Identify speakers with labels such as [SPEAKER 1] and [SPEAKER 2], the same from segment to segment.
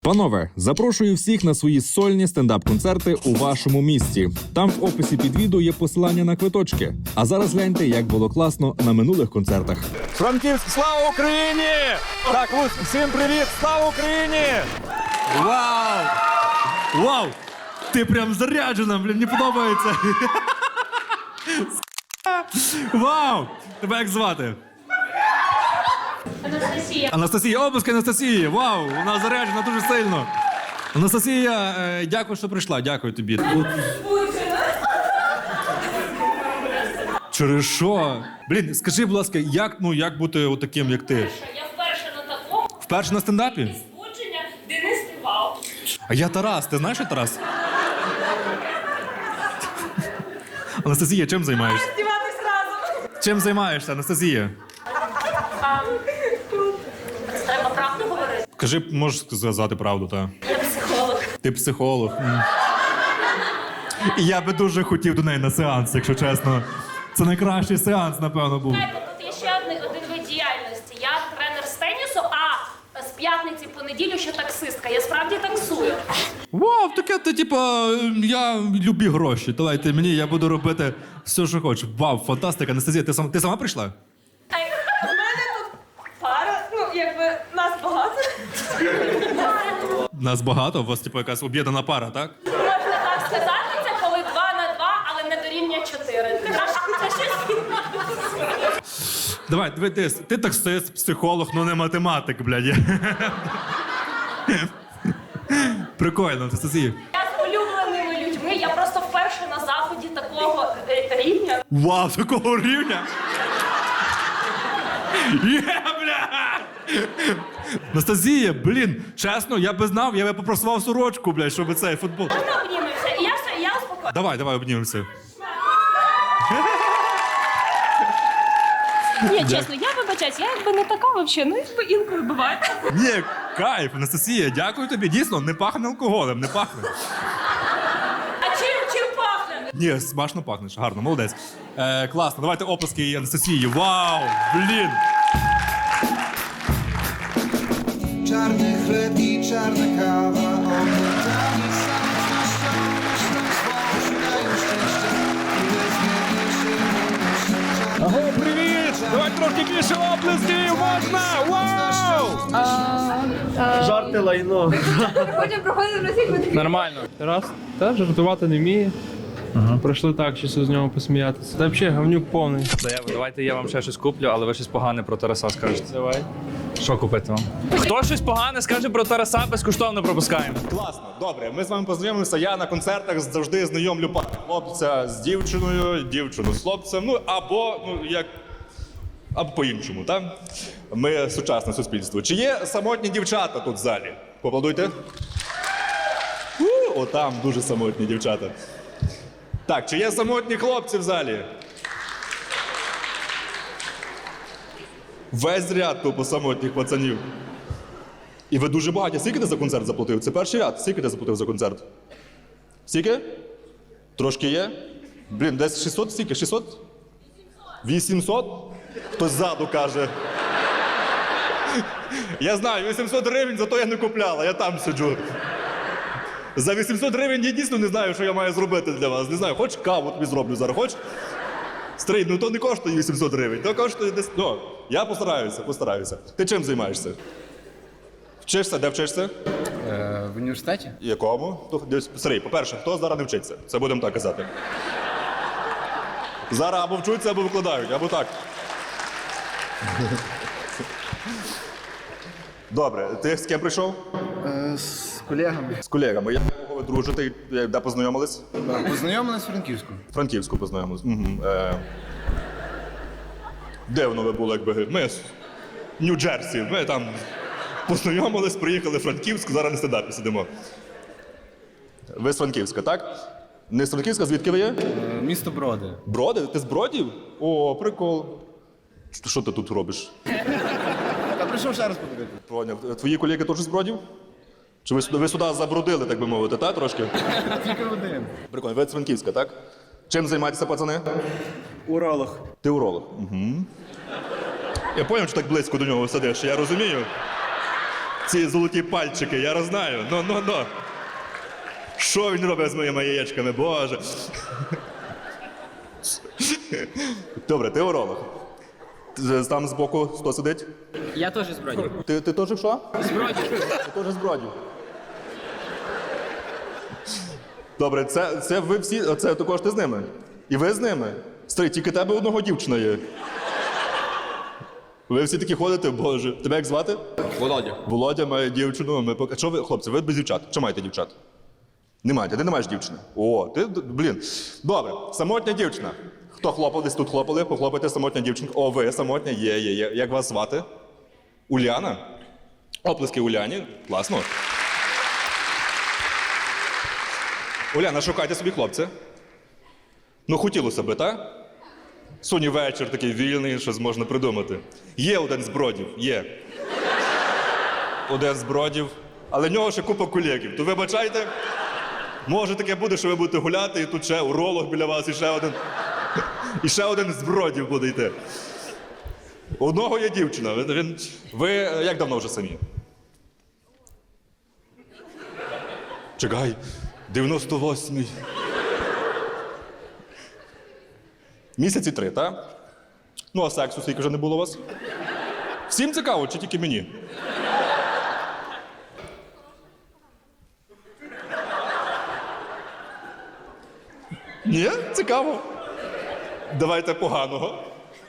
[SPEAKER 1] Панове, запрошую всіх на свої сольні стендап-концерти у вашому місті. Там в описі під відео є посилання на квиточки. А зараз гляньте, як було класно на минулих концертах.
[SPEAKER 2] Франківськ, слава Україні! Так, Луць, всім привіт, слава Україні!
[SPEAKER 3] Вау! Вау! Ти прям заряджена, блін, мені подобається. Вау! Тебе як звати?
[SPEAKER 4] Анастасія.
[SPEAKER 3] Анастасія, обласки Анастасії! Вау! Вона заряджена дуже сильно. Анастасія, дякую, що прийшла, дякую тобі. Через що? Блін, скажи, будь ласка, як бути отаким, як ти?
[SPEAKER 4] Я вперше на такому
[SPEAKER 3] Вперше на стендапі?
[SPEAKER 4] збудження Денис співав.
[SPEAKER 3] А я Тарас, ти знаєш, що Тарас? Анастасія, чим займаєшся?
[SPEAKER 4] Співати зразу.
[SPEAKER 3] Чим займаєшся, Анастасія?
[SPEAKER 4] Це треба правду говорити.
[SPEAKER 3] Кажи, можеш сказати правду, та?
[SPEAKER 4] Я психолог.
[SPEAKER 3] Ти психолог. І я би дуже хотів до неї на сеанс, якщо чесно. Це найкращий сеанс, напевно, був.
[SPEAKER 4] Знаєте, тут є ще один вид діяльності. Я тренер з тенісу, а з п'ятниці по неділю ще таксистка. Я справді таксую.
[SPEAKER 3] Вау, таке, ти, типа, я любі гроші. Давайте мені, я буду робити все, що хочу. Вау, фантастика. Анастасія, ти сама прийшла?
[SPEAKER 4] У мене тут пара, нас багато.
[SPEAKER 3] Нас багато, у вас, типу, якась об'єднана пара, так?
[SPEAKER 4] Можна так сказати, це коли 2 на 2, але не дорівнює 4. Це щось.
[SPEAKER 3] Давай, дивись, ти таксист, психолог, ну не математик, блядь. Прикольно, Анастасія.
[SPEAKER 4] Я з улюбленими людьми, я просто вперше на заході такого рівня.
[SPEAKER 3] Вау, такого рівня? Є, бля! Анастасія, блін, чесно, я би знав, я би попросував сорочку, блядь, щоб цей футбол.
[SPEAKER 4] Можна обнімемося? І я все, я успокоюся.
[SPEAKER 3] Давай, обнімемося.
[SPEAKER 4] Ні, чесно, я вибачаюсь, я якби не така взагалі, інколи буває.
[SPEAKER 3] Ні, кайф, Анастасія, дякую тобі. Дійсно, не пахне алкоголем, не пахне.
[SPEAKER 4] А чим пахне?
[SPEAKER 3] Ні, смачно пахнеш, гарно, молодець. Класно, давайте оплески Анастасії. Вау, блін.
[SPEAKER 5] Czarny chleb i czarna kawa, oglądani samotnością, myślą swą, szukają szczęścia i bezmierniejszej miłości.
[SPEAKER 2] Аго, привіт! Давай трохи більше оплесків, можна! Вау!
[SPEAKER 6] Жарти лайно.
[SPEAKER 7] Потім проходить російську.
[SPEAKER 6] Нормально. Тарас, та жартувати не вміє. Прийшли так, чисто з нього посміятися. Та взагалі говнюк повний.
[SPEAKER 8] Давайте я вам ще щось куплю, але ви щось погане про Тараса скажете.
[SPEAKER 6] Давай.
[SPEAKER 8] Що купити вам? Хто щось погане скаже про Тараса, безкоштовно пропускаємо.
[SPEAKER 2] Класно, добре, ми з вами познайомилися. Я на концертах завжди знайомлю пару. Хлопця з дівчиною, дівчину з хлопцем, або по-іншому, так? Ми сучасне суспільство. Чи є самотні дівчата тут в залі? Поаплодуйте. Отам дуже самотні дівчата. Так, чи є самотні хлопці в залі? Весь ряд тупо самотніх пацанів. І ви дуже багаті. Скільки ти за концерт заплатив? Це перший ряд. Скільки ти заплатив за концерт? Скільки? Трошки є? Блін, десь 600? Скільки? 600? 800? Хтось ззаду каже. Я знаю, 800 гривень, зато я не купляла, я там сиджу. За 800 гривень я дійсно не знаю, що я маю зробити для вас. Не знаю, хоч каву тобі зроблю зараз, хоч? Стрій, ну то не коштує 800 гривень, то коштує десь... Ну, я постараюся. Ти чим займаєшся? Вчишся? Де вчишся?
[SPEAKER 9] В університеті?
[SPEAKER 2] Якому? Сергій, по-перше, хто зараз не вчиться? Це будемо так казати. Зараз або вчуться, або викладають, або так. Добре, ти з ким прийшов?
[SPEAKER 9] З колегами.
[SPEAKER 2] З колегами. Як ви дружите? Де познайомились?
[SPEAKER 9] Познайомились в Франківську.
[SPEAKER 2] Франківську познайомились. Угу. Де воно ви були, якби? Ми з Нью-Джерсі. Ми там познайомились, приїхали в Франківськ, зараз на стендапі сидимо. Ви з Франківська, так? Не з Франківська, звідки ви є?
[SPEAKER 9] Місто Броди.
[SPEAKER 2] Броди? Ти з Бродів? О, прикол. Що ти тут робиш?
[SPEAKER 9] Та прийшов ще раз подивитися.
[SPEAKER 2] Поняв. Твої колеги теж з Бродів? Чи ви сюди забродили, так би мовити, так, трошки?
[SPEAKER 9] Тільки один.
[SPEAKER 2] Прикольно. Ви з Франківська, так? Чим займаєтеся, пацани?
[SPEAKER 6] Уролог.
[SPEAKER 2] Ти уролог. Угу. Я зрозумів, що так близько до нього сидиш, я розумію. Ці золоті пальчики, я знаю. Ну. Що він робить з моїми яєчками, боже. Добре, ти уролог. Там збоку хто сидить?
[SPEAKER 10] Я теж з Бродів.
[SPEAKER 2] Ти теж що?
[SPEAKER 10] З Бродів.
[SPEAKER 2] Ти теж з Бродів. Добре, це ви всі, це також ти з ними? І ви з ними? Старий, тільки тебе одного дівчина є. Ви всі такі ходите, боже. Тебе як звати?
[SPEAKER 10] Володя.
[SPEAKER 2] Володя має дівчину. Що ви, хлопці, ви без дівчат? Чи маєте дівчат? Не маєте, ти не маєш дівчини. О, ти, блін. Добре, самотня дівчина. Хто хлопав, десь тут хлопали, похлопайте самотня дівчинка. О, ви самотня, є. Як вас звати? Уляна? Оплески Уляні. Класно. Уляна, шукайте собі хлопця. Ну, хотілося би, так? Сьогодні вечір такий вільний, щось можна придумати. Є один з Бродів, є. Один з Бродів, але в нього ще купа колегів. То вибачайте, може таке буде, що ви будете гуляти, і тут ще уролог біля вас, і ще один. І ще один з Бродів буде йти. У одного є дівчина. Ви як давно вже самі? Чекай, 98-й. Місяці 3, так? Ну, а сексу скільки вже не було у вас? Всім цікаво, чи тільки мені? Ні? Цікаво. Давайте поганого.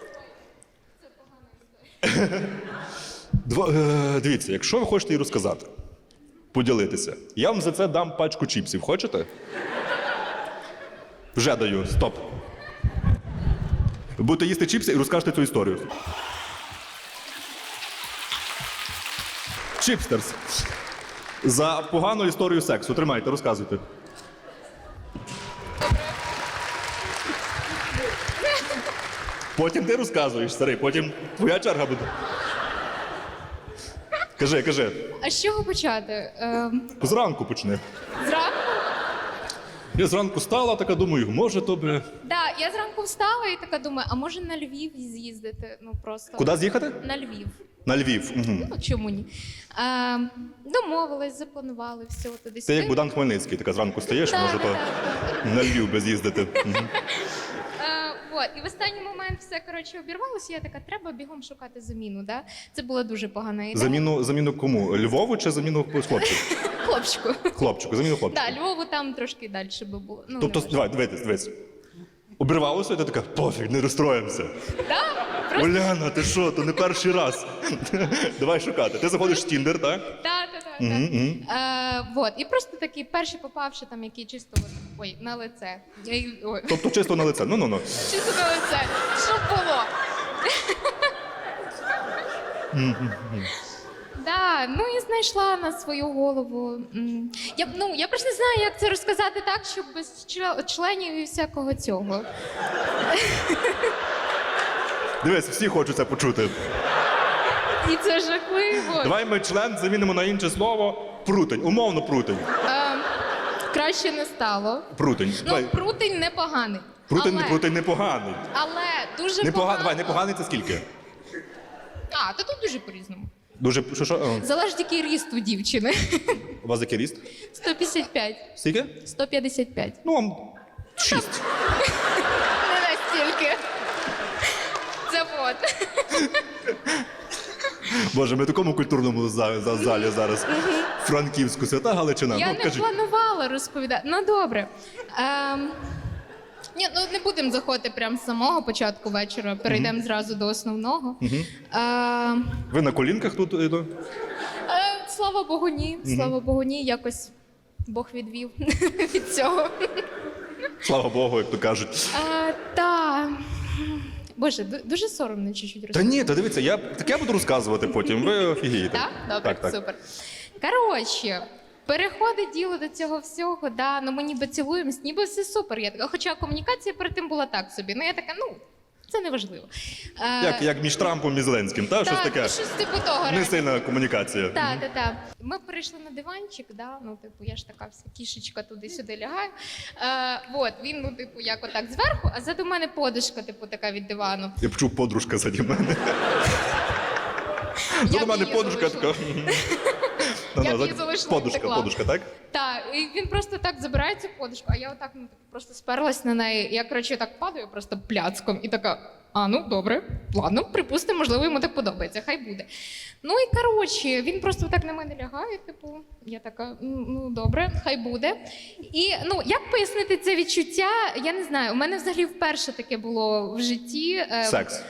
[SPEAKER 2] Дивіться, якщо ви хочете їй розказати, поділитися, я вам за це дам пачку чіпсів. Хочете? Вже даю, стоп. Ви будете їсти чіпси і розкажете цю історію. Чіпстерс. За погану історію сексу. Тримайте, розказуйте. Потім ти розказуєш, старий, потім твоя черга буде. Кажи.
[SPEAKER 7] А з чого почати?
[SPEAKER 2] Зранку почни.
[SPEAKER 7] Зранку?
[SPEAKER 2] Я зранку стала, така думаю, може то би...
[SPEAKER 7] Так, я зранку встала і така думаю, а може на Львів з'їздити? Ну просто.
[SPEAKER 2] Куди з'їхати?
[SPEAKER 7] На Львів.
[SPEAKER 2] На Львів. Угу.
[SPEAKER 7] Ну чому ні? Домовились, запланували все туди.
[SPEAKER 2] Ти як Богдан Хмельницький, така зранку стаєш, може то на Львів би з'їздити. Угу.
[SPEAKER 7] От, і в останній момент все коротше обірвалося. Я така, треба бігом шукати заміну. Да? Це була дуже погана ідея.
[SPEAKER 2] Заміну кому? Львову чи заміну хлопчику?
[SPEAKER 7] Хлопчику.
[SPEAKER 2] Хлопчику, заміну хлопчику.
[SPEAKER 7] Так, Львову там трошки далі би було. Ну,
[SPEAKER 2] Тобто,
[SPEAKER 7] не
[SPEAKER 2] давай, дивись. Обірвалося, і ти така, пофіг, не розстроїмося.
[SPEAKER 7] Так, просто
[SPEAKER 2] Уляна, ти що, то не перший раз. Давай шукати. Ти заходиш в Тіндер, так?
[SPEAKER 7] так. Вот. І просто такий перший попавши там, який чисто на лице. Ой,
[SPEAKER 2] Тобто чисто на лице. Ну.
[SPEAKER 7] чисто на лице. Щоб було. Да, ну і знайшла на свою голову. Я просто не знаю, як це розказати так, щоб без членів і всякого цього.
[SPEAKER 2] Дивись, всі хочуть це почути.
[SPEAKER 7] І це жахливо.
[SPEAKER 2] Давай ми член замінимо на інше слово прутень. Умовно прутень.
[SPEAKER 7] Краще не стало.
[SPEAKER 2] Прутень.
[SPEAKER 7] Ну, прутень непоганий.
[SPEAKER 2] Прутень непоганий.
[SPEAKER 7] Але дуже
[SPEAKER 2] Давай,
[SPEAKER 7] погано.
[SPEAKER 2] непоганий це скільки?
[SPEAKER 7] Та тут дуже по-різному.
[SPEAKER 2] Дуже, що?
[SPEAKER 7] Залежить, який ріст у дівчини.
[SPEAKER 2] У вас який ріст?
[SPEAKER 7] 155.
[SPEAKER 2] Скільки?
[SPEAKER 7] 155.
[SPEAKER 2] Ну, вам 6.
[SPEAKER 7] Не настільки. Це вот.
[SPEAKER 2] Боже, ми в такому культурному залі зараз. Франківську, Свята Галичина.
[SPEAKER 7] Я
[SPEAKER 2] Ну,
[SPEAKER 7] не
[SPEAKER 2] кажіть.
[SPEAKER 7] планувала розповідати. Ну, добре. Ні, ну не будемо заходити прямо з самого початку вечора. Перейдемо зразу до основного.
[SPEAKER 2] Ви на колінках тут?
[SPEAKER 7] Слава Богу, ні. Слава Богу, ні. Якось Бог відвів від цього.
[SPEAKER 2] Слава Богу, як то кажуть.
[SPEAKER 7] Та. Боже, дуже соромно чуть-чуть
[SPEAKER 2] Та
[SPEAKER 7] розповідати.
[SPEAKER 2] ні, та дивіться, я таке буду розказувати потім. Ви офігієте.
[SPEAKER 7] Так? Добре,
[SPEAKER 2] Так.
[SPEAKER 7] супер. Коротше, переходить діло до цього всього, да, ну ми ніби цілуємось, ніби все супер. Я така, хоча комунікація перед тим була так собі. Ну я така, це не важливо.
[SPEAKER 2] Як між Трампом і Зеленським, та? Щось таке.
[SPEAKER 7] Щось типу того.
[SPEAKER 2] Не сильна комунікація.
[SPEAKER 7] Так. Ми перейшли на диванчик, да, ну, типу, я ж така вся кішечка туди-сюди лягаю. Вот, він, ну, типу, як отак зверху, а ззаду мене подушка, типу, така від дивану.
[SPEAKER 2] Я почув подружка заді мене.
[SPEAKER 7] Я
[SPEAKER 2] До мене
[SPEAKER 7] її
[SPEAKER 2] подружка
[SPEAKER 7] залишила.
[SPEAKER 2] така.
[SPEAKER 7] Я б її залишила і втекла.
[SPEAKER 2] Подушка, так?
[SPEAKER 7] Так, і він просто так забирає цю подушку, а я отак ну, типу, просто сперлась на неї. Я, коротше, так падаю просто пляцком і така, а ну добре, ладно, припустимо, можливо, йому так подобається, хай буде. Ну і коротше, він просто так на мене лягає, типу, я така, ну добре, хай буде. І ну, як пояснити це відчуття, я не знаю, у мене взагалі вперше таке було в житті.
[SPEAKER 2] Секс.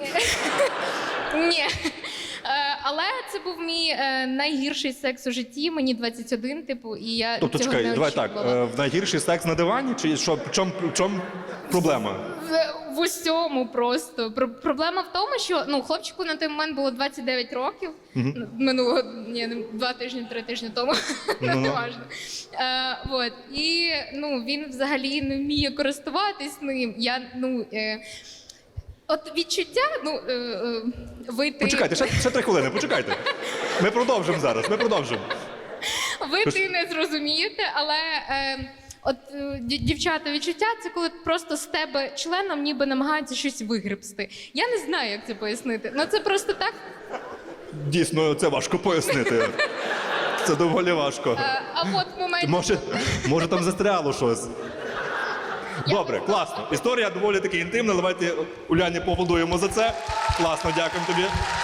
[SPEAKER 7] Ні. Але це був мій найгірший секс у житті, мені 21, типу, і я
[SPEAKER 2] Тобто,
[SPEAKER 7] цього
[SPEAKER 2] чекай,
[SPEAKER 7] не
[SPEAKER 2] давай так,
[SPEAKER 7] очікувала.
[SPEAKER 2] в найгірший секс на дивані, чи що, в чому проблема?
[SPEAKER 7] В усьому просто. Проблема в тому, що ну, хлопчику на той момент було 29 років, минулого, ні, 2 тижні, 3 тижні тому, не важливо. Вот. І ну, він взагалі не вміє користуватись ним. Я, ну, от відчуття, ну, вийти...
[SPEAKER 2] Почекайте, ще 3 хвилини, почекайте. Ми продовжимо зараз, ми продовжимо.
[SPEAKER 7] Ви не зрозумієте, але от дівчата, відчуття це коли просто з тебе членом ніби намагаються щось вигребсти. Я не знаю, як це пояснити. Ну це просто так.
[SPEAKER 2] Дійсно, це важко пояснити. Це доволі важко.
[SPEAKER 7] А от в моменті...
[SPEAKER 2] Може там застряло щось. Добре, класно. Історія доволі таки інтимна. Давайте Уляні поаплодуємо за це. Класно, дякуємо тобі.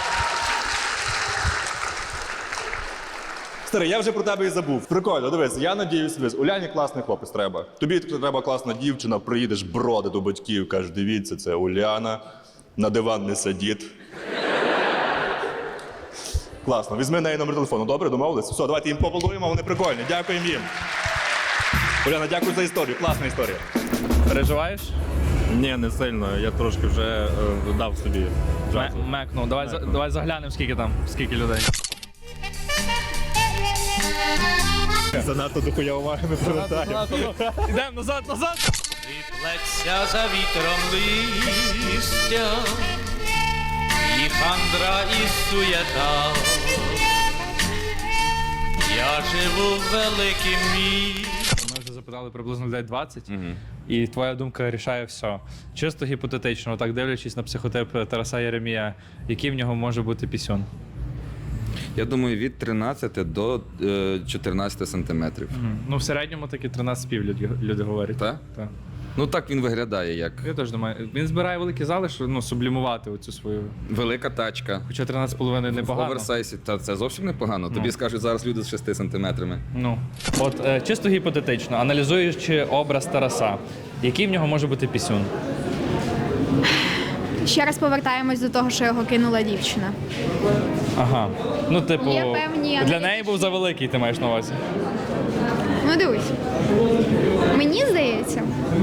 [SPEAKER 2] Старий, я вже про тебе і забув. Прикольно, дивись, я надіюсь, Уляні класний хлопець треба. Тобі треба класна дівчина, приїдеш броди до батьків, кажеш, дивіться, це Уляна, на диван не сидіть. Класно, візьми неї номер телефону, добре, домовились? Все, давайте їм поаплодуємо, вони прикольні, дякуємо їм. Уляна, дякую за історію, класна історія.
[SPEAKER 8] Переживаєш?
[SPEAKER 3] Ні, не сильно. Я трошки вже дав собі джазу.
[SPEAKER 8] Мекнув. Давай заглянемо, скільки людей.
[SPEAKER 2] Занадто дохуя уваги ми привертаємо.
[SPEAKER 8] Йдемо назад!
[SPEAKER 11] Відплекся за вітром листя, і хандра, і суєта. Я живу в великім місті.
[SPEAKER 8] Ми вже запитали приблизно людей 20, і твоя думка рішає все. Чисто гіпотетично, так дивлячись на психотип Тараса Єремія, який в нього може бути пісюн?
[SPEAKER 12] Я думаю, від 13 до 14 сантиметрів.
[SPEAKER 8] Ну, в середньому таки 13,5 люди говорять.
[SPEAKER 12] Так?
[SPEAKER 8] Так.
[SPEAKER 12] Ну так він виглядає як.
[SPEAKER 8] Я теж думаю. Він збирає великі зали, щоб ну, сублімувати оцю свою.
[SPEAKER 12] Велика тачка.
[SPEAKER 8] Хоча 13,5
[SPEAKER 12] В
[SPEAKER 8] непогано.
[SPEAKER 12] оверсайзі. Та це зовсім непогано. Тобі скажуть зараз люди з 6 сантиметрами.
[SPEAKER 8] Ну, от чисто гіпотетично, аналізуючи образ Тараса, який в нього може бути пісюн?
[SPEAKER 13] Ще раз повертаємось до того, що його кинула дівчина.
[SPEAKER 8] Ага. Ну, типу,
[SPEAKER 13] Є певні
[SPEAKER 8] для неї був завеликий, ти маєш на увазі.
[SPEAKER 13] Ну дивись. Мені здається.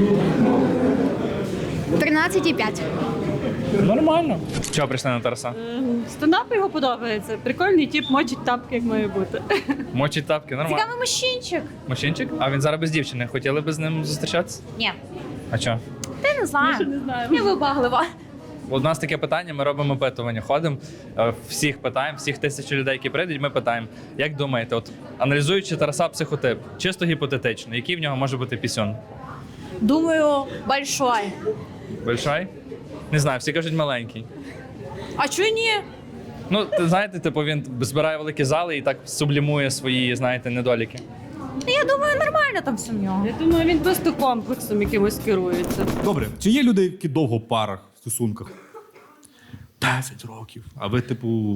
[SPEAKER 13] 13,5.
[SPEAKER 8] Нормально. Чого прийшли на Тараса?
[SPEAKER 14] Стендап його подобається. Прикольний тип, мочить тапки, як має бути.
[SPEAKER 8] Мочить тапки, нормально.
[SPEAKER 13] Цікавий мужчинчик.
[SPEAKER 8] Мужчинчик? А він зараз без дівчини. Хотіли б з ним зустрічатися?
[SPEAKER 13] Ні.
[SPEAKER 8] А чого?
[SPEAKER 13] Ти не знаю.
[SPEAKER 14] Не знаю.
[SPEAKER 13] Я вибаглива.
[SPEAKER 8] У нас таке питання, ми робимо опитування, ходимо, всіх питаємо, всіх 1000 людей, які прийдуть, ми питаємо, як думаєте, от аналізуючи Тараса психотип, чисто гіпотетично, який в нього може бути пісюн?
[SPEAKER 14] Думаю, большой.
[SPEAKER 8] Большой? Не знаю, всі кажуть маленький.
[SPEAKER 14] А чого ні?
[SPEAKER 8] Ну, знаєте, типу він збирає великі зали і так сублімує свої, знаєте, недоліки.
[SPEAKER 14] Я думаю, нормально там все в нього. Я думаю, він просто комплексом якимось керується.
[SPEAKER 3] Добре, чи є люди, які довго в парах, в стосунках? 10 років. А ви, типу.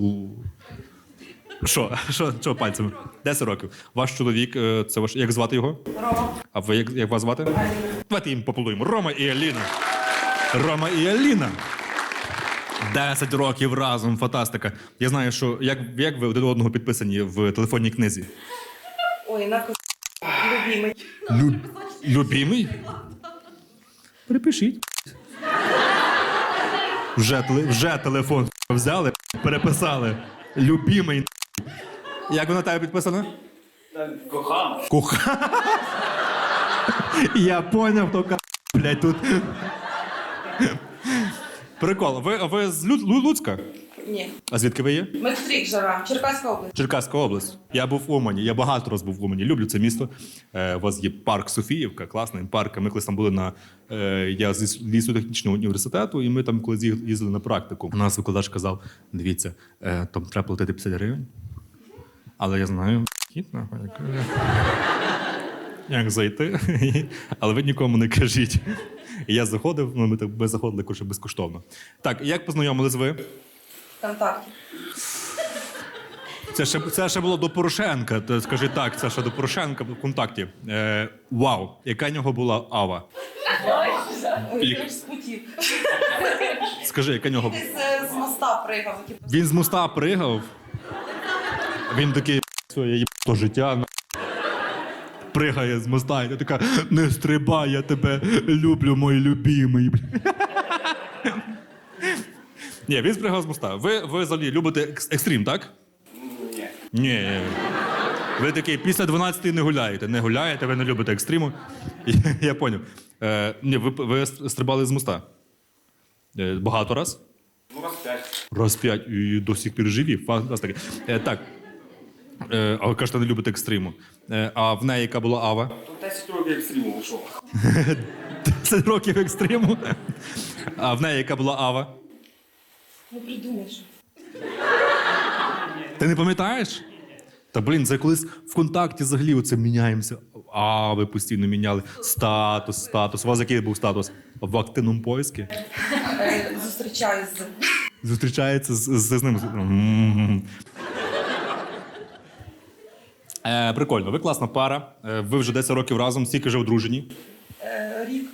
[SPEAKER 3] Що пальцями? 10 років. Ваш чоловік, це ваш. Як звати його? Рома. А ви як вас звати? Давайте їм поплодуємо. Рома і Аліна. Рома і Аліна. 10 років разом, фантастика. Я знаю, що як ви один одного підписані в телефонній книзі?
[SPEAKER 14] Ой, любимий.
[SPEAKER 3] Любимий? Перепишіть. Вже телефон взяли, переписали. Любимий. Як вона тебе підписана?
[SPEAKER 11] Кохана.
[SPEAKER 3] Кохана. Я поняв, хто блядь, тут. Прикол. Ви з Луцька?
[SPEAKER 14] Ні.
[SPEAKER 3] А звідки ви є?
[SPEAKER 14] Ми в Стрік живемо, Черкаська область.
[SPEAKER 3] Черкаська область. Я був в Умані. Я багато разів був в Умані. Люблю це місто. У вас є парк Софіївка, класний парк. Ми колись там були на... Я з лісотехнічного університету, і ми там колись їздили на практику. У нас викладач казав, дивіться, там треба платити 50 гривень. Але я знаю, Вхід, нахуй. Як зайти? Але ви нікому не кажіть. І я заходив, ми заходили коротше, безкоштовно. Так, як познайомились ви?
[SPEAKER 14] Контакті.
[SPEAKER 3] Це ще було до Порошенка. То скажи так, це ще до Порошенка в контакті. Вау, яка в нього була ава?
[SPEAKER 14] Ой, з путів.
[SPEAKER 3] Скажи, яка в нього?
[SPEAKER 14] З моста пригав.
[SPEAKER 3] Він з моста пригав. Він такий, все, я їб то життя. Пригає з моста, і ти така, не стрибай, я тебе люблю, мой любимий. Ні, він спригав з моста. Ви взагалі любите екстрім, так? Ні. Ні. Ви такий, після 12 не гуляєте. Не гуляєте, ви не любите екстриму. Я поняв. Ні, ви стрибали з моста? Багато раз?
[SPEAKER 15] Ну, раз 5.
[SPEAKER 3] Раз 5 і до сих пір живі. Фантастика. Так. А ви кажете, не любите екстриму. А в неї яка була ава?
[SPEAKER 15] Тут 10 років екстриму вийшов.
[SPEAKER 3] 10 років екстриму. А в неї яка була ава?
[SPEAKER 14] Ну, придумаєш.
[SPEAKER 3] Ти не пам'ятаєш? Та, блін, це колись в контакті взагалі оце міняємося. А, ви постійно міняли. Статус. У вас який був статус? В активному поиску?
[SPEAKER 14] Зустрічаюсь з...
[SPEAKER 3] Зустрічається з ним. Прикольно, ви класна пара. Ви вже 10 років разом, скільки вже одружені?
[SPEAKER 14] Рік.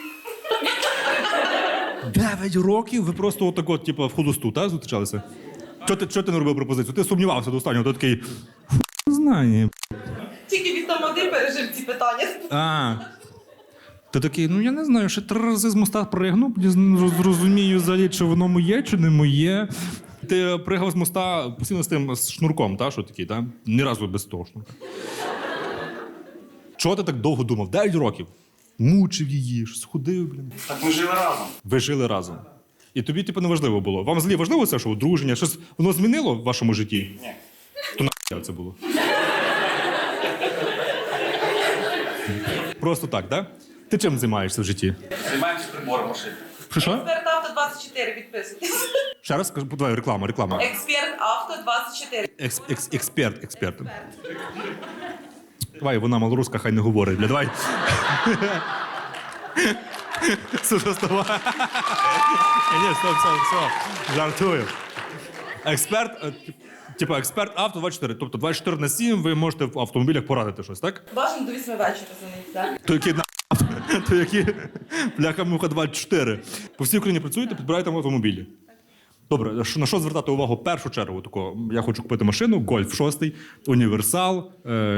[SPEAKER 3] 9 років? Ви просто отако, типу, в холосту, так, зустрічалися? Чого ти не робив пропозицію? Ти сумнівався до останнього, ти такий, не знаю.
[SPEAKER 14] Тільки від там один пережив ці питання.
[SPEAKER 3] Ти такий, ну я не знаю, ще 3 рази з моста пригну, зрозумію взагалі, чи воно моє, чи не моє. Ти пригав з моста постійно з тим з шнурком, та, що такий, та? Ні разу без того шнурка. Чого ти так довго думав? 9 років. Мучив її, щось ходив, блін.
[SPEAKER 15] Так ми жили разом.
[SPEAKER 3] Ви жили разом. І тобі, типу, не важливо було. Вам взагалі важливо це, що одруження? Щось воно змінило в вашому житті?
[SPEAKER 15] Ні.
[SPEAKER 3] То нахуя це було? Просто так, так? Да? Ти чим займаєшся в житті?
[SPEAKER 15] Займаємося прибором машини.
[SPEAKER 3] Що?
[SPEAKER 14] Експерт Авто 24, підписуйтесь.
[SPEAKER 3] Ще раз скажу, давай, реклама.
[SPEAKER 14] Експерт Авто 24.
[SPEAKER 3] Експерт. Давай, вона малоруська, хай не говорить, бля, давай. Слушай, вставай. Ні, стоп, жартую. Експерт, експерт авто 24. Тобто 24/7 ви можете в автомобілях порадити щось, так?
[SPEAKER 14] Бажано до 8 вечора за них, так?
[SPEAKER 3] То які бляха-муха 24. По всій Україні працюєте, підбираєте автомобілі. Добре, на що звертати увагу в першу чергу? Такого, я хочу купити машину, Гольф 6, універсал.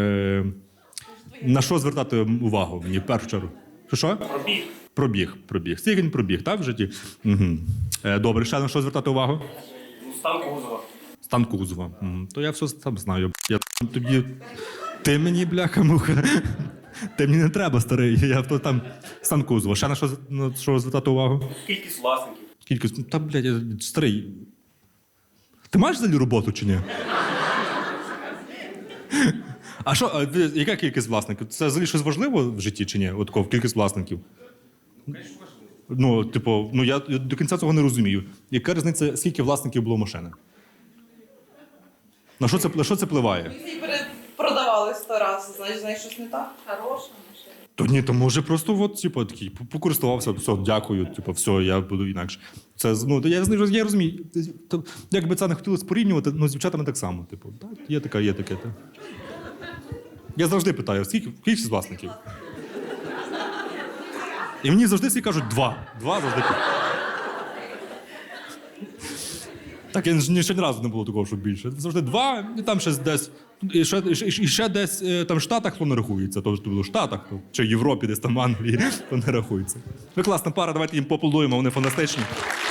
[SPEAKER 3] На що звертати увагу мені в першу чергу? Що? Пробіг. Скільки він пробіг, так, в житті? Угу. Добре, ще на що звертати увагу?
[SPEAKER 15] Стан кузова.
[SPEAKER 3] Стан кузова. То я все сам знаю. Ти мені, бляха-муха. Ти мені не треба, старий. Я там стан кузова. Ще на що звертати увагу?
[SPEAKER 15] Кількість власників.
[SPEAKER 3] Та, блядь, я старий. Ти маєш взагалі роботу чи ні? А що, яка кількість власників? Це взагалі щось важливо в житті чи ні? От такого, кількість власників? Ну, типу, я до кінця цього не розумію. Яка різниця, скільки власників було машини? На що це впливає?
[SPEAKER 14] Всі продавали 100 разів, значить, щось не так. Хороша машина.
[SPEAKER 3] То ні, то може просто от, типу, такий, покористувався, все, дякую, типу, все, я буду інакше. Це, я розумію, як би це не хотілося порівнювати, з дівчатами так само, типу, так, є таке. Так. Я завжди питаю, скільки з власників? І мені завжди всі кажуть 2. 2 завжди. Так, я ще ні разу не було такого, що більше. Завжди 2, і там ще десь, і ще десь там в Штатах, то не рахується. Тобто в Штатах, чи в Європі, десь там в Англії, то не рахується. Ви класна пара, давайте їм поаплодуємо, вони фантастичні.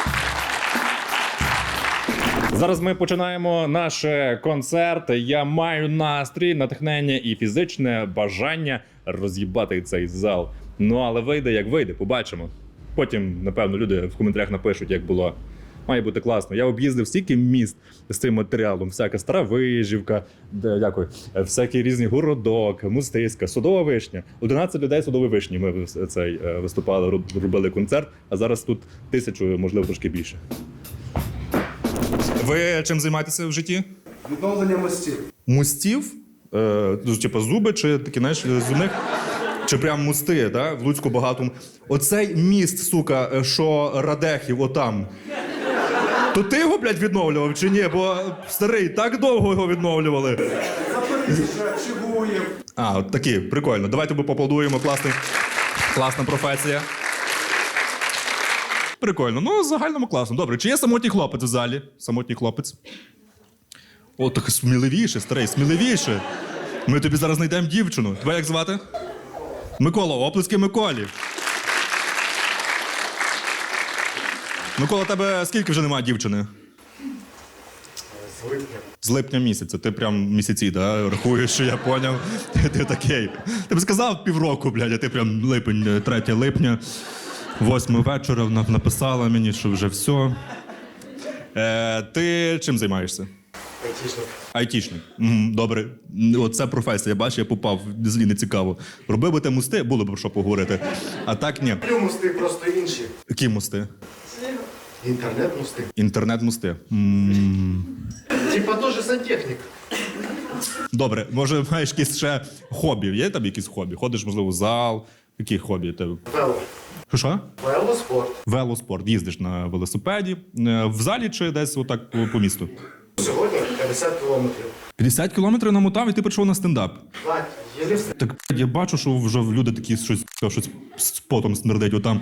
[SPEAKER 3] Зараз ми починаємо наш концерт. Я маю настрій, натхнення і фізичне бажання роз'їбати цей зал. Ну, але вийде, як вийде, побачимо. Потім, напевно, люди в коментарях напишуть, як було. Має бути класно. Я об'їздив стільки міст з цим матеріалом. Всяка Стара Вижівка, всякі різні Городок, Мустиська, Садова Вишня. 11 людей Садової Вишні ми виступали, робили концерт, а зараз тут 1000, можливо, трошки більше. Ви чим займаєтеся в житті?
[SPEAKER 9] Відновлення мостів.
[SPEAKER 3] Мостів? Типу зуби чи такі, знаєш, зубних. Чи прям мости, да? В Луцьку багато. Оцей міст, сука, що Радехів отам. То ти його, блядь, відновлював чи ні? Бо старий, так довго його відновлювали. А, от такі, прикольно. Давайте ми поаплодуємо, класна професія. Прикольно, ну, в загальному класно. Добре, чи є самотній хлопець в залі? Самотній хлопець. О, так сміливіше, старий, сміливіше. Ми тобі зараз знайдемо дівчину. Тебе як звати? Микола, оплески Миколі. Микола, тебе скільки вже немає дівчини?
[SPEAKER 15] З липня.
[SPEAKER 3] З липня місяця. Ти прям місяці, да? Рахуєш, що я поняв. Ти такий. Ти б сказав півроку, блядь, а ти прям липень, 3 липня, 8 вечора написала мені, що вже все. Ти чим займаєшся?
[SPEAKER 15] Айтішник.
[SPEAKER 3] Айтішник. Добре. Оце професія, бачиш, я попав, злі не цікаво. Робив би ти мости, було б що поговорити. А так ні.
[SPEAKER 15] Мости просто інші.
[SPEAKER 3] Які мости?
[SPEAKER 15] Інтернет-мости.
[SPEAKER 3] Інтернет-мости.
[SPEAKER 15] Типа теж сантехнік.
[SPEAKER 3] Добре, може маєш якісь ще хобі? Є там якісь хобі? Ходиш, можливо, в зал? Які хобі?
[SPEAKER 15] Вело.
[SPEAKER 3] Що?
[SPEAKER 15] Велоспорт.
[SPEAKER 3] Велоспорт. Їздиш на велосипеді. В залі чи десь отак по місту?
[SPEAKER 15] Сьогодні 50 кілометрів.
[SPEAKER 3] 50 кілометрів намотав і ти прийшов на стендап.
[SPEAKER 15] Так, єлі все.
[SPEAKER 3] Так я бачу, що вже люди такі щось з потом смердить отам.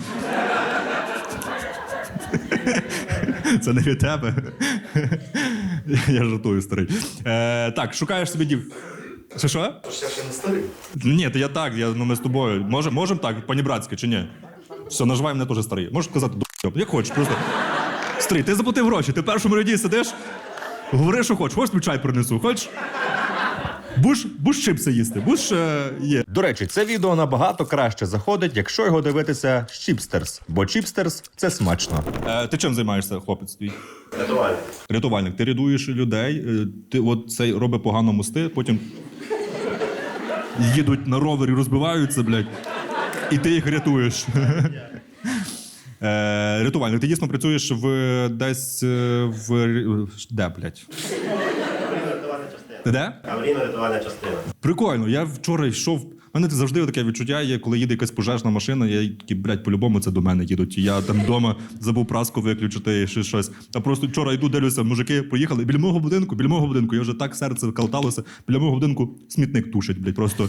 [SPEAKER 3] Це не від тебе. Я жартую, старий. Так, шукаєш собі Що?
[SPEAKER 15] Я ще не старий.
[SPEAKER 3] Ні, то я так, ми з тобою. Можемо так, панібратськи, чи ні? Все, наживай мене теж старий. Можеш сказати, як хочеш, просто. Старий, ти заплатив гроші, ти в першому ряді сидиш, говори, що хочеш. Хочеш, тобі чай принесу, хочеш? Будеш чипси їсти, будеш є.
[SPEAKER 1] До речі, це відео набагато краще заходить, якщо його дивитися з Чіпстерс, бо Чіпстерс – це смачно.
[SPEAKER 3] Ти чим займаєшся, хлопець твій?
[SPEAKER 15] Рятувальник.
[SPEAKER 3] Рятувальник. Ти рятуєш людей, ти от цей робить погано мости, потім їдуть на ровері, розбиваються, блядь, і ти їх рятуєш. Рятувальник. Ти дійсно працюєш десь де, блядь? Де?
[SPEAKER 15] Аварійно-рятувальна частина.
[SPEAKER 3] Прикольно. Я вчора йшов. У мене завжди таке відчуття є, коли їде якась пожежна машина, я такий, блядь, по-любому це до мене їдуть. Я там вдома забув праску виключити і щось. А просто вчора йду, дивлюся, мужики поїхали біля мого будинку. Я вже так серце калталося. Біля мого будинку смітник тушить, блядь, просто.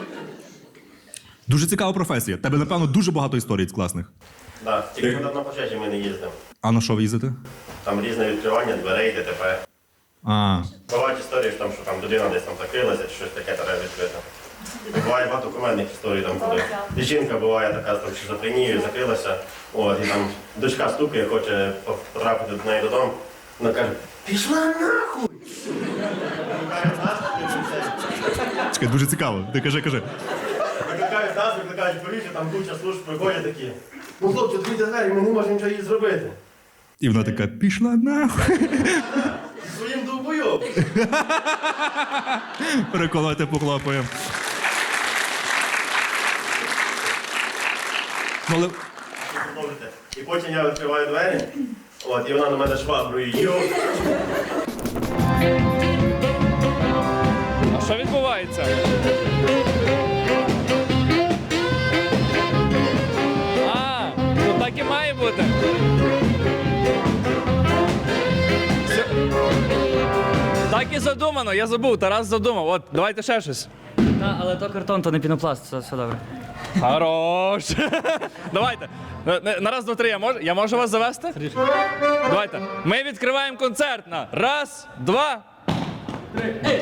[SPEAKER 3] Дуже цікава професія. Тебе, напевно, дуже багато історій класних.
[SPEAKER 15] Так, тільки на пожежі ми не їздимо.
[SPEAKER 3] А на що ви їздите?
[SPEAKER 15] Там різне відкривання дверей, ДТП. Бувають історії, що там людина десь там закрилася, чи щось таке треба відкрити. Буває багато кумедних історій, там, коли жінка буває така там шизофренією, закрилася, і там дочка стукає, хоче потрапити до неї додому. Вона каже, пішла нахуй!
[SPEAKER 3] Чекай, дуже цікаво. Ти кажи.
[SPEAKER 15] Викликають нас, викликають поліцію, там куча служб приходять такі. Ну, хлопці, відкрийте двері, ми не можемо нічого їй зробити.
[SPEAKER 3] І вона така, пішла нахуй.
[SPEAKER 15] Своїм довбойом.
[SPEAKER 3] Переколоти похлопаємо.
[SPEAKER 15] І потім я відкриваю двері, і вона на мене шваброю йо.
[SPEAKER 8] А що відбувається? Ну так і має бути. Так і задумано, я забув, Тарас задумав. От, давайте ще щось.
[SPEAKER 10] Але то картон, то не пінопласт, все добре.
[SPEAKER 8] Хорош. Давайте. На раз, два, три, я можу вас завести? Давайте. Ми відкриваємо концерт на раз, два, три.